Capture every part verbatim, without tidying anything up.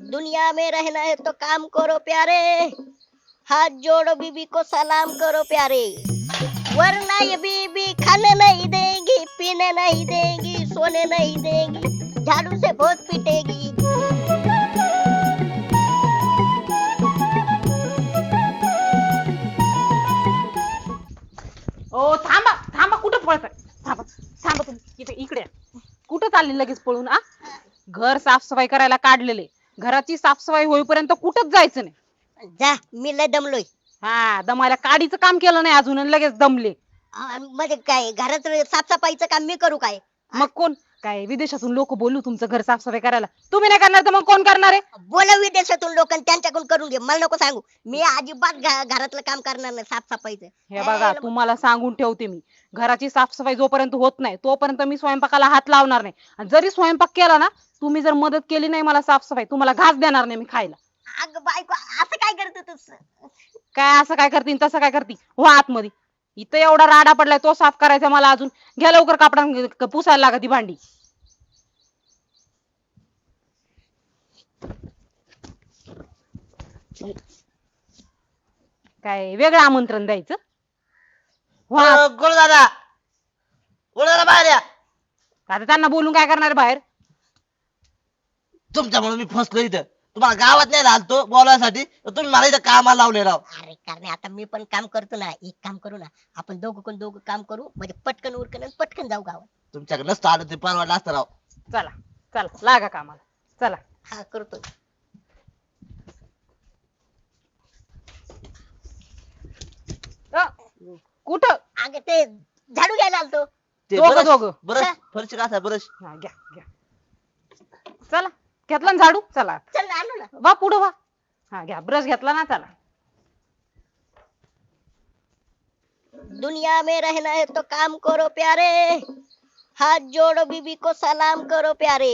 दुनिया में रहना है तो काम करो प्यारे, हाथ जोड़ो बीबी को सलाम करो प्यारे, वरना ये बीबी खाने नहीं देगी, पीने नहीं देगी, सोने नहीं देगी, झाड़ू से बहुत पीटेगी। ओ थांबा थांबा, कुठं पळताय? थांबा थांबा, तुम्ही इथे इकडे या. कुठं चालली लगेच पळून? आ घर साफसफाई करायला काढलेले, घराची साफसफाई होईपर्यंत कुठंच जायचं नाही. जा, मी लय दमलोय. हा, दमायला काडीचं काम केलं नाही अजून आणि लगेच दमले. आ, म्हणजे काय घरात साफसफाईचं काम मी करू काय? मग कोण काय विदेशातून लोक बोलू तुमचं घर साफसफाई करायला? तुम्ही नाही करणार तर मग कोण करणार आहे? बोलव विदेशातून लोक, त्यांच्याकडून करून घे, मला नको सांगू. मी अजिबात घ- घरातलं काम करणार नाही साफसफाईचं. हे बघा, तुम्हाला सांगून ठेवते मी, घराची साफसफाई जोपर्यंत होत नाही तोपर्यंत मी स्वयंपाकाला हात लावणार नाही. आणि जरी स्वयंपाक केला ना, तुम्ही जर मदत केली नाही मला साफसफाई, तुम्हाला घास देणार नाही मी खायला. अगं बायको, असं काय करतो तू? काय असं काय करतीन तसं काय करती? हो आतमध्ये, इथं एवढा राडा पडलाय तो साफ करायचा मला अजून. घ्या लवकर कापडा पुसायला लागा ती भांडी. काय वेगळं आमंत्रण द्यायचं? हो आत. गोळ दादा, गोळ दादा बाहेर या. आता त्यांना बोलून काय करणार बाहेर? तुमच्यामुळे मी फसलो इथं. तुम्हाला गावात नाही राहतो बोलायसाठी, तर तुम्ही मला इथं कामाला लावले राव. अरे कारण आता मी पण काम करतो ना, एक काम करू ना आपण, दोघं कोण दोघं काम करू, म्हणजे पटकन उरकन आणि पटकन जाऊ गावात. तुमच्याकडे नसतं आलं ते परवडलं असतं राव. चला चला, लागा कामाला, चला. हा करतो. अ, कुठं? अगं ते झाडू घ्यायला आलतो. ते दोघं- बरंच- दोघं. बरंच फरशी घासा बरंच. हा, घ्या घ्या. चला, घेतला ना झाडू? चला चल ना, आलो ना. वा पुढं वा. हा घ्या, ब्रश घेतला ना, चला. दुनिया में रहना है तो काम करो प्यारे, हाथ जोड़ो बीबी को सलाम करो प्यारे,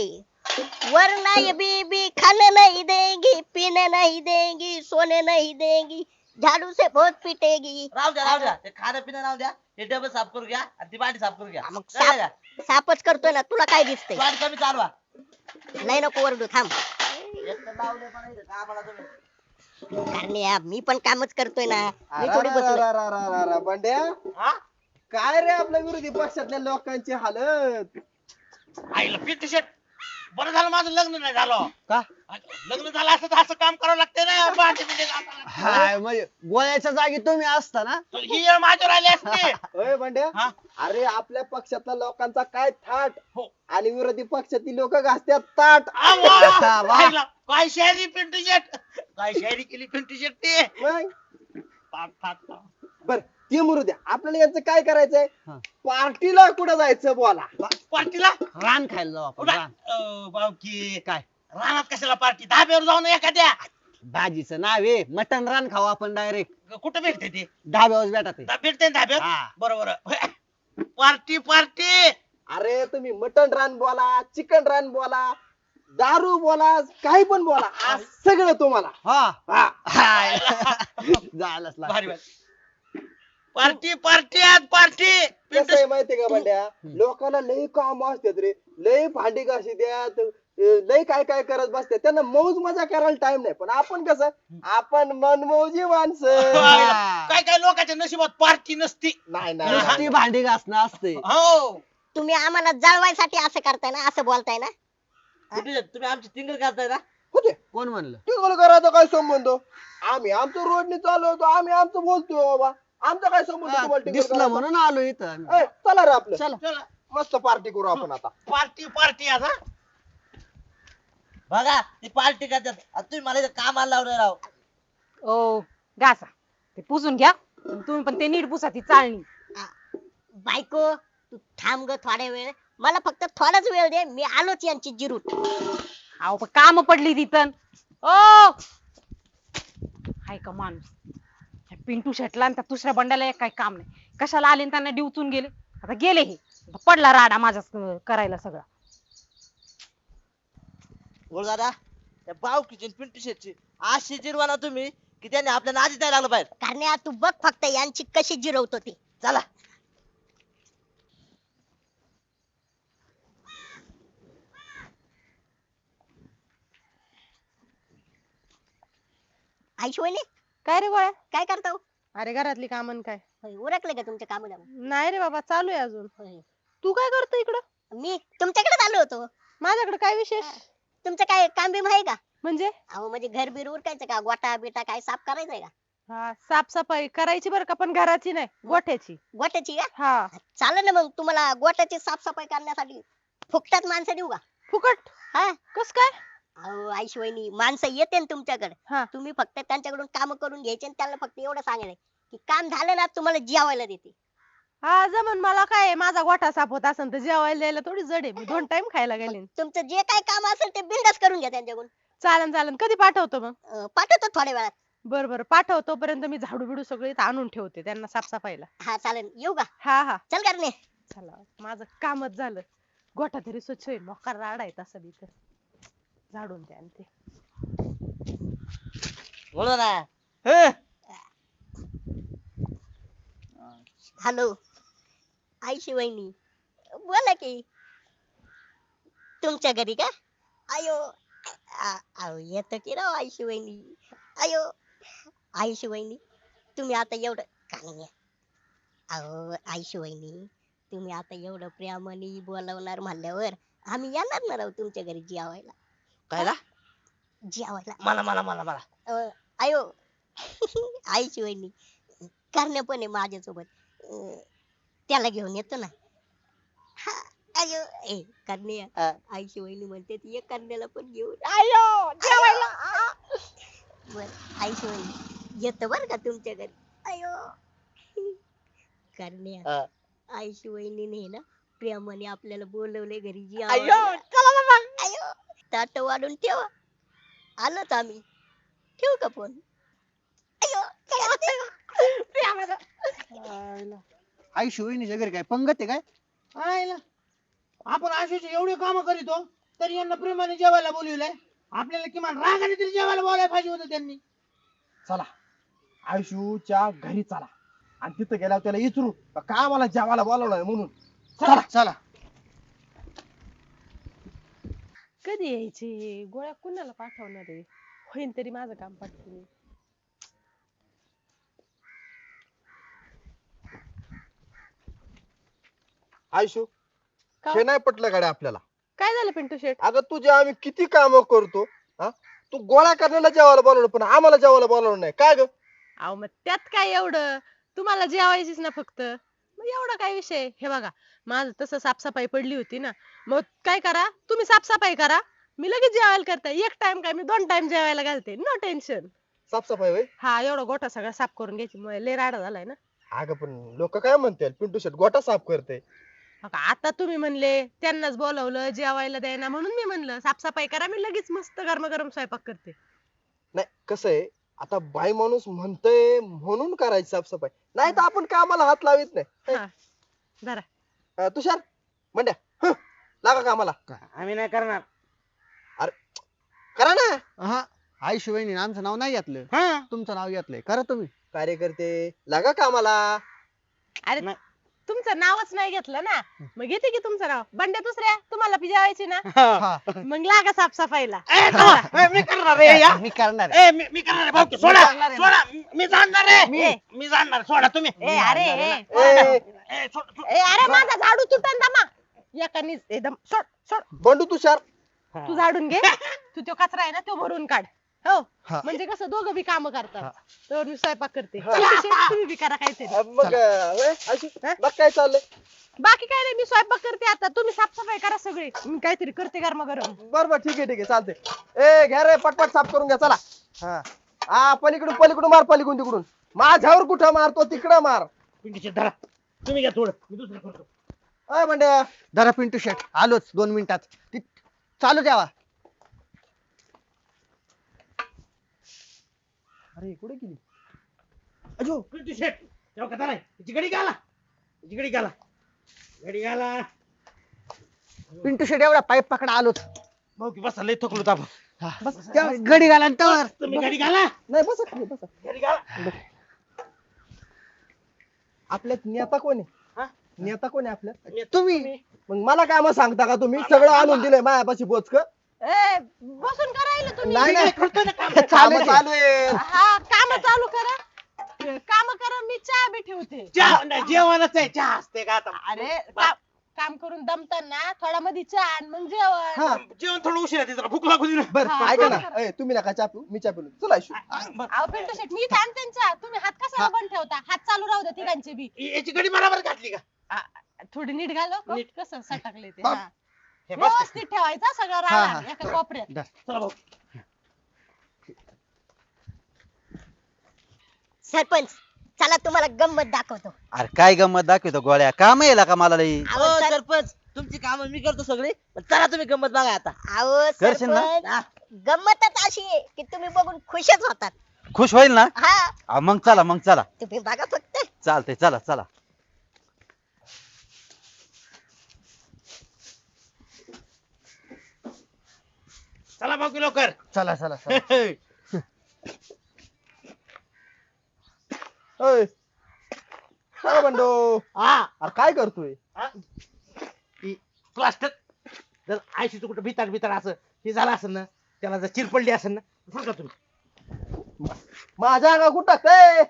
वरना ये बीबी खाने नहीं देगी, पीने नहीं देगी, सोने नहीं देगी, झाड़ू से बहुत पीटेगी. राहू द्या राहू द्या, ते खाणं पिणं राहू द्या. हे डबे साफ करू घ्या आणि ती भांडी साफ करू घ्या. मग कळलं का? साफ साफच करतोय ना, तुला काय दिसतंय? भांडी कमी चालवा. नाही नको ओरडू, थांब. एक तर लावले पण इथं कामाला तुम्ही. कारण या मी पण कामच करतोय ना, मी अरे थोडी रा- बसलोय. रा- रा- रा- रा- रा- बंड्या, हा? काय रे आपल्या विरोधी पक्षातल्या लोकांची हालत? आईला पिंटू शेट, बरं झालं माझं लग्न नाही झालं. का? लग्न झालं असं तर असं काम करावं लागतं ना, भांडी बिंडी घासायला. हाय म्हणजे गोळ्याच्या जागी तुम्ही असता ना? तर ही येळ माझ्यावर आली असते. होय बंड्या, हा? अरे आपल्या पक्षातल्या लोकांचा काय थाट हो. आणि विरोधी पक्षातील लोक घासत्यात ताट. आ, वा. वा, वा. आईला, काय शायरी पिंटू शेट, काय शायरी केली पिंटू शेट ते. मग पाक, पाक, पाक. बर ते मरू द्या, आपल्याला यांचं काय करायचंय? पार्टीला कुठं जायचं बोला. पार्टीला रान खायला जाऊ आपण रान. अं, बावकी काय? रानात कशाला पार्टी? धाब्यावर जाऊन एखाद्या. भाजीचं नाव आहे मटन रान खाऊ आपण डायरेक्ट. कुठं भेटते ते? ढाब्यावर भेटत आहे. धा- भेटते ना धाब्यावर? हा. बरोबर. Party party. अरे तुम्ही मटन रान बोला, चिकन रान बोला, दारू बोला, काही पण बोला, आज सगळं तुम्हाला. हा हा. हाय. जायलाच लागतं. भारी भारी. पार्टी पार्टी आज पार्टी. कसं आहे माहितीये का बंड्या, लोकांना लय काम असतात रे, लय भांडी घाशी द्यात, लय काय काय करत बसतात, त्यांना मौज मजा करायला टाइम नाही. पण आपण कसं, आपण मनमौजी माणसं. काय काय लोकांच्या नशिबात पार्टी नसती. नाही नाही नुसती भांडी घासणं असते. हो. तुम्ही आम्हाला जळवायसाठी असं करताय ना, असं बोलताय ना. पिंटू शेट, तुम्ही आमची टिंगल करताय ना? होते कोण म्हणलं? टिंगल करायचा काय संबंध? आम्ही आमचं रोडने चालवतो, आम्ही आमचं बोलतोय बाबा, आमचा काय संबंध हा, तुम्हाला टिंगल दिसलं करायचा? म्हणून आलो इथं आम्ही. ए, चला रे आपलं, चला. चला. मस्त पार्टी करू आपण आता. पार्टी पार्टी आज हा. बघा ती पार्टी करतात आणि तुम्ही मला इथं कामाला लावले राव. ओ घासा, ते पुसून घ्या. तुम्ही पण ते नीट पुसा ती चाळणी. बायको तू थांब ग थोड्या वेळ, मला फक्त थोडाच वेळ दे, मी आलोच यांची जिरूट. अहो पण काम पडली तिथं. ओ हाय का माणूस, ह्या पिंटू शेटला आणि त्या दुसऱ्या बंड्याला एक काही काम नाही. कशाला आले आणि त्यांना डिवचून गेले. आता गेले हे, आता पडला राडा माझा करायला सगळा. बोल दादा, त्या बावकीची आणि पिंटू शेटची अशी जिरवाना तुम्ही की त्यांनी आपल्याला आधीच नाही लागलं बाहेर. कारण तू बघ फक्त यांची कशी जिरवतो ती. चला. आईशवणी काय रे गोळ्या? काय करता हो? अरे घरातली कामं काय? होय, उरकले का तुमच्या कामाला? नाही रे बाबा, चालू आहे अजून. होय. तू काय करतो इकडं? मी तुमच्याकडे आलो होतो. माझ्याकडे काय विशेष? तुमचं काय काम बिम आहे का? म्हणजे अहो म्हणजे घर बीर उरकायचं का? गोटा बिटा काय साफ करायचंय का? हा, साफसफाई करायची बरं का, पण घराची नाही, गोठ्याची. गोट्याची का? हा. चालेल ना मग, तुम्हाला गोट्याची साफसफाई करण्यासाठी फुकटात माणसं देऊ का? फुकट? हा. कस काय? अहो आईशवणी, माणसं येते ना तुमच्याकडे, हा. तुम्ही फक्त त्यांच्याकडून काम करून घ्यायचे आणि त्यांना फक्त एवढं सांगायचं की काम झालं ना तुम्हाला जेवायला देते. हा जमन, मला काय आहे, माझा गोठा साफ होत असेल तर जेवायला द्यायला थोडी जड आहे, मी दोन टाइम खायला गेले. तुमचं जे काय काम असेल ते बिंदास करून घ्या त्यांच्याकडून. चालन चालन, कधी पाठवतो मग? अं, पाठवतो थोड्या वेळात. बर बर, पाठव. तोपर्यंत मी झाडू बिडू सगळे इथं आणून ठेवते त्यांना साफसफाईला. हा चालेल, येऊ का? हा हा, चल करणे. चला, माझं कामच झालं. गोठा तरी स्वच्छ होईल, मोकार राडा आहे तसं बी तर. झाडून द्या आणि ते. बोला ना. हॅलो आईशी वहिनी, बोला की. तुमच्या घरी का? आयो आ- अहो येतं की राव आईशी वहिनी. आयो आईशी वहिनी, तुम्ही आता एवढं काय? अहो आईशी वहिनी, तुम्ही आता एवढं प्रेमाने बोलवणार म्हणल्यावर आम्ही येणार ना राव तुमच्या घरी जेवायला. कायला? जेवायला. मला मला मला मला अं, आयो आईची वहिनी, करण्या पण आहे माझ्यासोबत. अं, त्याला घेऊन येतो ना. हा, आयो ए करण्या, हा. आईची वहिनी म्हणते ती एक करण्याला पण घेऊन आयो जेवायला. बर. आईची वहिनी येतो बर का तुमच्या घरी. आयो करण्या, हा. आईची वहिनीने ना प्रेमाने आपल्याला बोलवले घरी आयो जेवायला. चला ना मग. आयो ताट वाढून ठेवा, आलोच आम्ही. ठेवू का फोन? आयो आई शिवणीच्या घरी काय पंगत आहे काय? आयला आपण आशुची एवढी कामं करीतो तरी यांना प्रेमाने जेवायला बोलवलंय. आपल्याला किमान रागाने तरी जेवायला बोलायला पाहिजे होतं त्यांनी. चला आयुष्यूच्या घरी चला आणि तिथं गेल्यावर त्याला विचारू का मला जेवायला बोलावलंय म्हणून. चला चला. कधी यायचे गोळ्या, कुणाला पाठवणार आहे? होईन तरी माझं काम पाठवून. आयुष्यू का? हे नाही पटलं गाड्या आपल्याला. काय झालं पिंटू शेठ? अगं तुझे आम्ही किती काम करतो, हा तू गोळा करण्याला जेवायला बोलवलं पण आम्हाला जेवायला बोलवलं नाही काय ग? अहो मग त्यात काय एवढं, तुम्हाला जेवायचीच ना फक्त, मग एवढा काय विषय? हे बघा, माझं तसं साफसफाई पडली होती ना, मग काय करा तुम्ही, साफसफाई करा, मी लगेच जेवायला करते. एक टाइम काय मी दोन टाइम जेवायला घालते, नो टेन्शन. साफसफाई होय? हा, एवढा गोठा सगळा साफ करून घ्यायची, मग लय राडा झालाय ना. अगं पण लोक काय म्हणतील, पिंटू शेट गोटा साफ करते. बघा, आता तुम्ही म्हणले त्यांनाच बोलवलं जेवायला द्यायना, म्हणून मी म्हणलं साफसफाई करा, मी लगेच मस्त गरम गरम स्वयंपाक करते. नाही कसं आहे, आता बाई माणूस म्हणतोय म्हणून करायची साफसफाई, नाही तर आपण कामाला हात लावित नाही. हा, जरा अं, तुषार म्हणड्या हं, लागा कामाला. आम्ही नाही करणार. करा ना. हा, आई शिवणी आमचं नाव नाही घेतलं, हा तुमचं नाव घेतलंय. करा तुम्ही. कार्यकर्ते लागा कामाला. अरे नाही. तुमचं नावच नाही घेतलं ना, मग घेते की तुमचं नाव. बंड्या दुसऱ्या तुम्हाला पी जेवायची ना, हा. मग लागा साफसफाईला. ए, थांबा. ए, मी करणार आहे या. मी करणार. ए, मी मी करणार आहे भाऊ. सोडा करणार आहे. सोडा, मी जाणणार आहे. मी- मी जाणणार. सोडा तुम्ही. ए अरे ए, ए, ए, सोड, सोड. ए अरे माझा झाडू तुटन दमा एकानी एकदम. सोड सोड, बंडू तुषार तू झाडून घे, तू तो कचरा आहे ना तो भरून काढ. हो, हा. म्हणजे कसं दोघं बी काम करतात. तर मी स्वयंपाक करते, हा. तुम्ही बी करा काहीतरी. अं, मग अं, होय, आयशू, बघ काय चाललंय. बाकी काय नाही, मी स्वयंपाक करते आता, तुम्ही साफसफाई करा सगळी, मी काहीतरी करते गरम गरम. बर बर ठीक आहे ठीक आहे चालतंय. ए घ्या रे पटपट साफ करून घ्या चला. हा हा, पलीकडून पलीकडून मार, पलीकडून तिकडून. माझ्यावर कुठं मारतो, तिकडं मार. पिंटूचे धरा. तुम्ही घ्या थोडं, मी दुसरं करतो. अय म्हणड्या, जरा पिंटू शेट आलोच दोन मिनिटात. ती चालू द्यावा. अरे कुठे गेली? अजो पिंटू शेट तेव्हा का धराय तिची गडी घाला, तिची गडी घाला, गडी घाला. पिंटू शेट एवढा पाईप पकडा आलोच. भाऊ की बसा, लय थकलो आपण. बस त्या गडी घाला आणि तवर. तुम्ही गडी घाला, नाही बसा खाली बसा. गडी घाला. आपल्यात नेता कोण आहे? हा? नेता कोण आहे आपल्यात? तुम्ही मग मला काय मग सांगता का तुम्ही? सगळं आणून दिलंय मायापाशी बोचक. ए, बसून करायला तुम्ही नाही नाही करतो ना काम. चालू आहे, चालू आहे. हा काम चालू करा काम करा मी चहा बी ठेवते चहा नाही, जेवणच आहे चहा असते का आता अरे का- काम करून दमताना थोडा मध्ये चहा आणि मग जेवण हा जेवण थोडं उशीर आहे जरा भूक लागू दे ना. बर हा, ऐका हा. ना ए, तुम्ही नका चहा पिऊ मी चहा पिऊ चला आयशू. अहो पिंटू शेट मी थांब त्यांच्या तुम्ही हात कसा बंद ठेवता हात चालू राहू द्या तिघांचे बी याची गडी बरोबर घातली का आ, थोडी नीट घाल हो. नीट. कसं सटकले ते बाप. हा. हे बस व्यवस्थित ठेवायचा सगळं हा, राहणार हा. एका कोपऱ्यात चला भाऊ सरपंच चला तुम्हाला गंमत दाखवतो. अरे काय गंमत दाखवतो गोळ्या काम येला का मला लई अहो हो, सर- सरपंच तुमची कामं मी करतो सगळी पण चला तुम्ही गंमत बघा आता. अहो करशील ना? सरपंच गंमतच अशी आहे की तुम्ही बघून खुशच होतात. खुश होईल ना हा हा, मग चला मग चला तुम्ही बघा फक्त. चालतंय चला चला चला भाऊ की लवकर चला चला चला ओय काय बंडो हा अरे काय करतोय प्लास्टर जर आयशीचं कुठं भिताड भिताड असं हे झालं असेल ना त्याला जर चिर पडली असेल ना सांगा तुम्ही माझ्या अंगा कुठं टाकतंय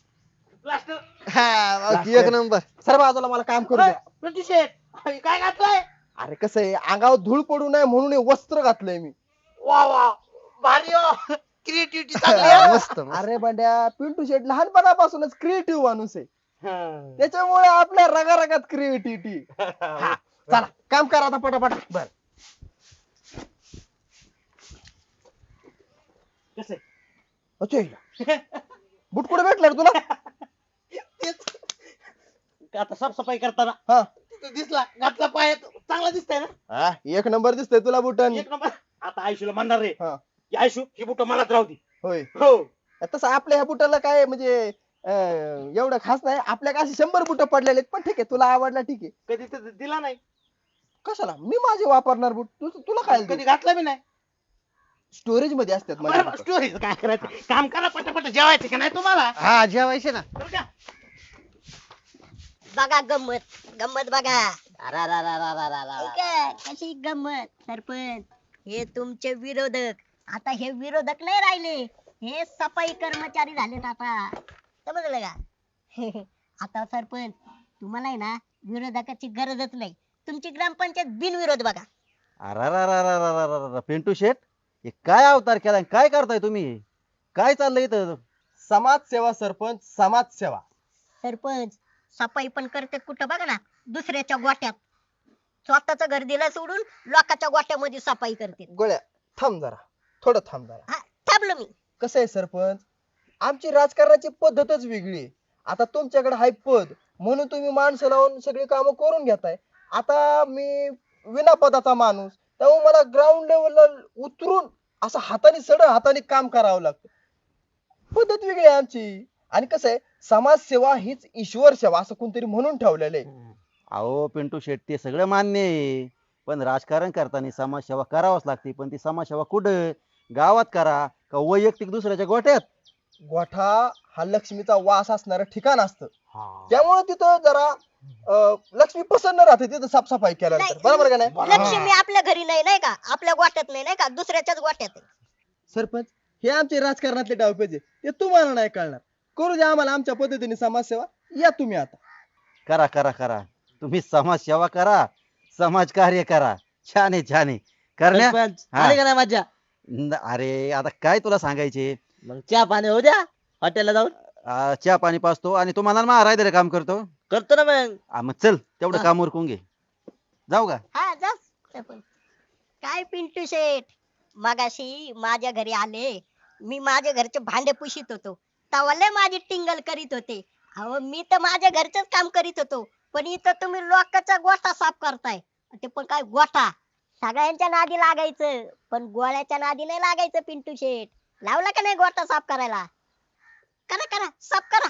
प्लास्टर एक नंबर सर बाजूला मला काम करू द्या. प्रति शेठ हे काय घातलंय अरे कसं आहे अंगावर धूळ पडू नये म्हणून हे वस्त्र घातलंय मी. वा वा भारी हो क्रिएटिव्हिटी चांगली आहे. मस्त अरे बंड्या पिंटू शेट लहानपणापासूनच क्रिएटिव्ह माणूस आहे हा. त्याच्यामुळे आपल्या रगारगात क्रिएटिव्हिटी. हा. चला काम करा आता पटापट. बर कसं आहे? अच्छा बुट कुठे भेटला रे तुला? तेच. आता साफसफाई करताना हा तिथं दिसला घातला पाय चांगला दिसतंय ना हा, एक नंबर दिसतोय तुला बुटन. एक नंबर आता आयशूला म्हणणार रे हा की आयशू ही बुट मलाच राहू दे होय हो तसं आपल्या ह्या बुटाला काय म्हणजे अं, एवढं खास नाही आपल्या अशी शंभर बुट पडलेले आहेत पण ठीक आहे तुला आवडला ठीक आहे. कधी तर दिला नाही कशाला मी माझे वापरणार बुट तू तुला काय कधी घातला बी नाही स्टोरेज मध्ये असतात माझे बरं, बुटं. स्टोरीज काय करायचं काम करा पटापट जेवायचं का नाही तुम्हाला हा जेवायचे ना बरं का? बघा गंमत गंमत बघा. अरा रा रा रा रा रा रा. ऐका, कशी गंमत सरपंच हे तुमचे विरोधक आता हे विरोधक नाही राहिले हे सफाई कर्मचारी झालेत आता समजलं का? आता सरपंच तुम्हाला आहे ना विरोधकाची गरजच नाही तुमची ग्रामपंचायत बिनविरोध बघा. अरे रा रा रा रा रा रा रा पिंटू शेठ हे काय अवतार केलाय काय करताय तुम्ही काय चाललंय इथं समाजसेवा सरपंच समाजसेवा. सरपंच सफाई पण करते कुठं बघा ना दुसऱ्याच्या गोट्यात स्वतःच घर दिलं सोडून लोकांच्या गोट्यामध्ये सफाई करते. गोळ्या थांब जरा थोडं थांब जरा. हा थांबलो मी. कसं आहे सरपंच आमची राजकारणाची पद्धतच वेगळी आहे. आता तुमच्याकडे हाय पद म्हणून तुम्ही माणसं लावून सगळी कामं करून घेताय. आता मी विना पदाचा माणूस त्यामुळे मला ग्राउंड लेवलला उतरून असं हाताने सड हाताने काम करावं लागतं. पद्धत वेगळी आहे आमची. आणि कसं आहे समाजसेवा हीच ईश्वर सेवा असं कोणतरी म्हणून ठेवलेलं आहे. अहो पिंटू शेठ ते सगळं मान्य आहे पण राजकारण करताना समाजसेवा करावंच लागते पण ती समाजसेवा कुठं गावात करा का वैयक्तिक दुसऱ्याच्या गोठ्यात. गोठा हा लक्ष्मीचा वास असणारं ठिकाण असतं त्यामुळे तिथं जरा अं, लक्ष्मी प्रसन्न राहते तिथं साफसफाई केल्यानंतर. नाही, बरोबर का नाही? लक्ष्मी आपल्या घरी नाही नाही का आपल्या गोट्यात नाही नाही का दुसऱ्याच्याच गोट्यात आहे. सरपंच हे आमचे राजकारणातले डावपेच आहे ते तुम्हाला नाही कळणार. करू द्या आम्हाला आमच्या पद्धतीने समाजसेवा. या तुम्ही आता. करा करा करा तुम्ही समाजसेवा करा समाज कार्य करा छान आहे छान आहे करण्या सरपंच हा. आली का नाही मज्जा न- अरे आता काय तुला सांगायचे मग चहा पाणी होऊ द्या हॉटेलला जाऊन आ, चहा पाणी पाचतो आणि तू मला महाराज रे काम करतो करतो ना मग आ, मग चल तेवढं हा. काम उरकून घे जाऊ का हा जा सरपंच. काय पिंटू शेठ मगाशी माझ्या घरी आले मी माझ्या घरचे भांडे पुशीत होतो तवाले माझी टिंगल करीत होते. अहो मी तर माझ्या घरचंच काम करीत होतो पण इथं तुम्ही लोकांचा गोठा साफ करताय. ते पण काय गोठा सगळ्यांच्या नादी लागायचं पण गोळ्याच्या नादी नाही लागायचं. पिंटू शेठ लावला का नाही गोठा साफ करायला? करा करा साफ करा.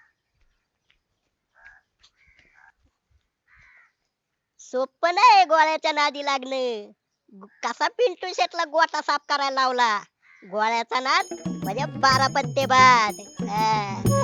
सोपं नाही गोळ्याच्या नादी लागणं. कसा पिंटू शेटला गोठा साफ करायला लावला. गोळ्याचा नाद म्हणजे बारा पत्ते बाद. हा.